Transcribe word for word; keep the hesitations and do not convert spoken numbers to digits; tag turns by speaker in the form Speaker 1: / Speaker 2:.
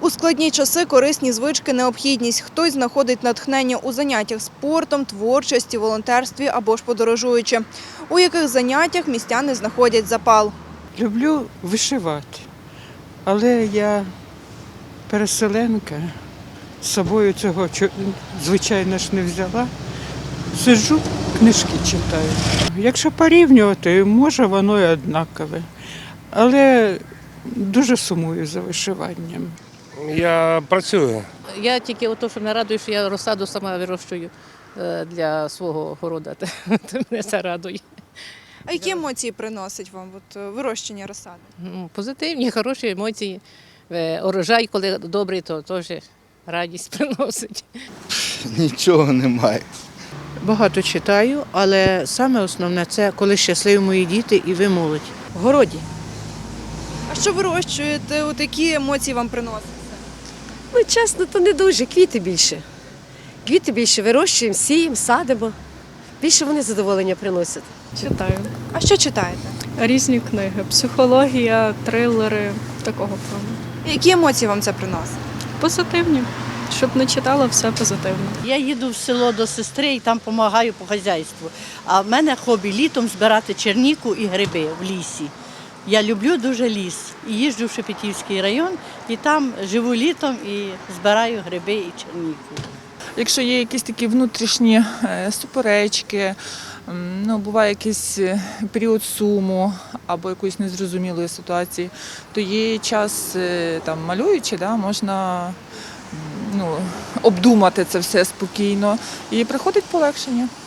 Speaker 1: У складні часи корисні звички – необхідність. Хтось знаходить натхнення у заняттях спортом, творчості, волонтерстві або ж подорожуючи. У яких заняттях містяни знаходять запал?
Speaker 2: Люблю вишивати, але я переселенка, з собою цього, звичайно ж, не взяла. Сиджу, книжки читаю. Якщо порівнювати, може воно і однакове, але дуже сумую за вишиванням.
Speaker 3: Я працюю.
Speaker 4: Я тільки ото, що мене радує, що я розсаду сама вирощую е, для свого городу. То мене це радує.
Speaker 1: А які емоції приносить вам от, е, вирощення розсади?
Speaker 4: Ну, позитивні, хороші емоції. Е, Урожай, коли добрий, то теж радість приносить.
Speaker 5: Нічого немає.
Speaker 6: Багато читаю, але саме основне – це коли щасливі мої діти і ви молодь. В городі.
Speaker 1: А що вирощуєте? От які емоції вам приносить?
Speaker 7: Ну, чесно, то не дуже, квіти більше. Квіти більше вирощуємо, сіємо, садимо. Більше вони задоволення приносять.
Speaker 8: Читаю.
Speaker 1: А що читаєте?
Speaker 8: Різні книги. Психологія, трилери, такого плану.
Speaker 1: Які емоції вам це приносить?
Speaker 8: Позитивні. Щоб не читала, все позитивно.
Speaker 9: Я їду в село до сестри і там допомагаю по хазяйству. А в мене хобі літом збирати черніку і гриби в лісі. Я люблю дуже ліс. І їжджу в Шепетівський район, і там живу літом і збираю гриби і черніку.
Speaker 10: Якщо є якісь такі внутрішні е, суперечки, м, ну, буває якийсь е, період суму або якоїсь незрозумілої ситуації, то є час, е, там, малюючи, да, можна м, ну, обдумати це все спокійно і приходить полегшення.